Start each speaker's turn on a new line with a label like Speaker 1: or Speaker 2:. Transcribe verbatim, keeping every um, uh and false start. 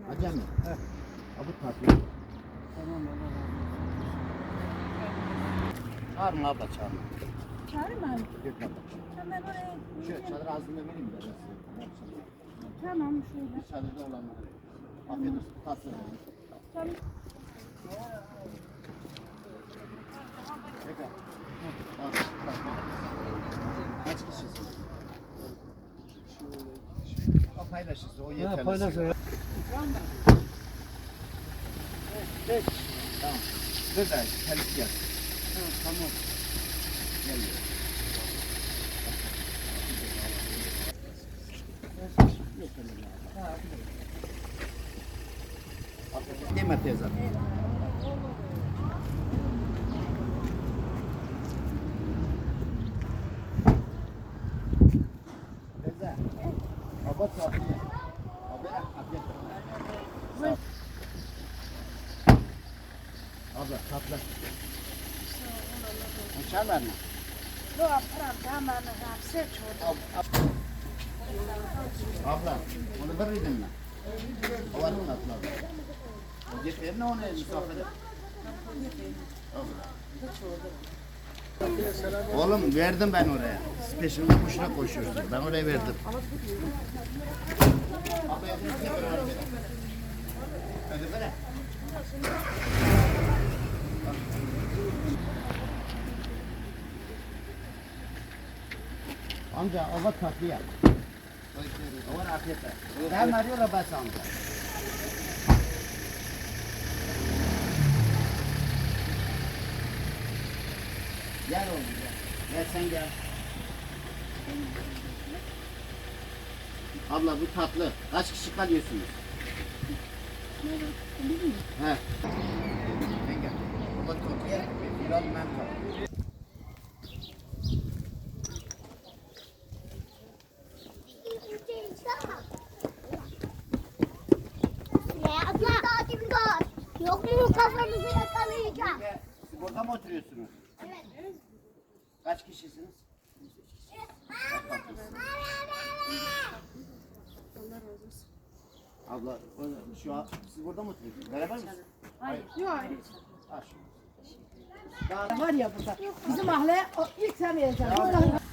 Speaker 1: Acemi. Heh. Abi tatlı.
Speaker 2: Tamam Allah razı olsun.
Speaker 1: Çağırın abla çağırın.
Speaker 3: Çağırayım mı abi?
Speaker 1: Yok abla.
Speaker 3: Hemen oraya.
Speaker 1: Şu çadır ağzında vereyim de.
Speaker 3: Tamam şöyle.
Speaker 1: Çadırda olanlar. Afiyet olsun. Tatlı.
Speaker 3: Tamam.
Speaker 1: Tekrar. Al, bak, bak. Kaç kişisin? O paylaşırsa o yeterli.
Speaker 2: Ha paylaş ya.
Speaker 1: Geç. Tamam. Dur da telik yap.
Speaker 2: Ha, tamam.
Speaker 1: Geliyor. Değil mi teyze? Teyze. Baba tatlı. Abi afiyet olsun. Abla tatlı. Uçarlar mı?
Speaker 3: Yok param tamam abi seç orada.
Speaker 1: Abla, onu verirdin mi? O var mı tatlı abla? O getirir ne onu misafire? Oğlum verdim ben oraya. Peşimde kuşuna koşuyorsun. Ben oraya verdim. Abla yakın bir sefer var. Hadi böyle. Amca o var tatlı yap. O var afiyetle. Ben arıyorlar bas amca. Gel oğlum gel. Gel sen gel. Abla bu tatlı. Kaç kişi kalıyorsunuz? He. Sen gel. Baba tatlı yer. Biraz ben tatlı.
Speaker 4: Ya abla daha kim var? Yok mu kafanızı yakalayacağım?
Speaker 1: Siz burada mı oturuyorsunuz?
Speaker 4: Evet.
Speaker 1: Kaç kişisiniz? Abla o- şu an siz burada mı oturuyorsunuz? Beraber misiniz?
Speaker 3: Hayır. Yok hayır.
Speaker 1: Ha, şu. Daha
Speaker 3: Var ya burada. Bizim mahalle o ilk sen vereceksin.